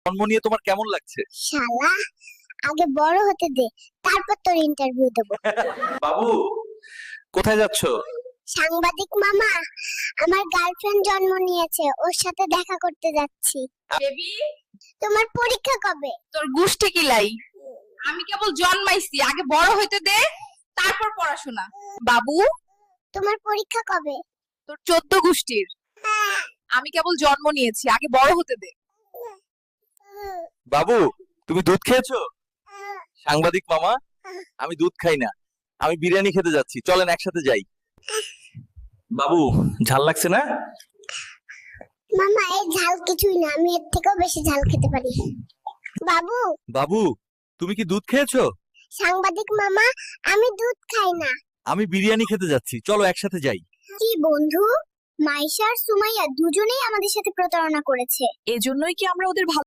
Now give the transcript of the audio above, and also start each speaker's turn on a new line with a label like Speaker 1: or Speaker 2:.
Speaker 1: জন্ম নিয়ে তোমার কেমন লাগছে?
Speaker 2: শালা, আগে বড় হতে দে, তারপর তোর ইন্টারভিউ দেব।
Speaker 1: বাবু, কোথায় যাচ্ছ?
Speaker 2: সাংবাদিক মামা, আমার গার্লফ্রেন্ড জন্ম নিয়েছে, ওর সাথে দেখা করতে যাচ্ছি।
Speaker 3: বেবি,
Speaker 2: তোমার পরীক্ষা কবে?
Speaker 3: তোর গুষ্টি কিলাই। আমি কেবল জন্মাইছি, আগে বড় হইতে দে, তারপর পড়াশোনা। বাবু,
Speaker 2: তোমার পরীক্ষা কবে?
Speaker 3: তোর 14 গুষ্টির। আমি কেবল জন্ম নিয়েছি, আগে বড় হতে দে।
Speaker 1: বাবু, তুমি দুধ খেয়েছো? সাংবাদিক মামা, আমি দুধ খাই না, আমি বিরিয়ানি খেতে যাচ্ছি, চলেন একসাথে যাই। বাবু, ঝাল লাগছে না?
Speaker 2: মামা, এই ঝাল কিছুই না, আমি এর থেকেও বেশি ঝাল খেতে পারি। বাবু,
Speaker 1: বাবু, তুমি কি দুধ খেয়েছো?
Speaker 2: সাংবাদিক মামা, আমি দুধ খাই না।
Speaker 1: আমি বিরিয়ানি খেতে যাচ্ছি, চলো একসাথে যাই।
Speaker 2: কি বন্ধু, মাইশা আর সুমাইয়া দুজনেই আমাদের সাথে প্রতারণা করেছে।
Speaker 3: এজন্যই কি আমরা ওদের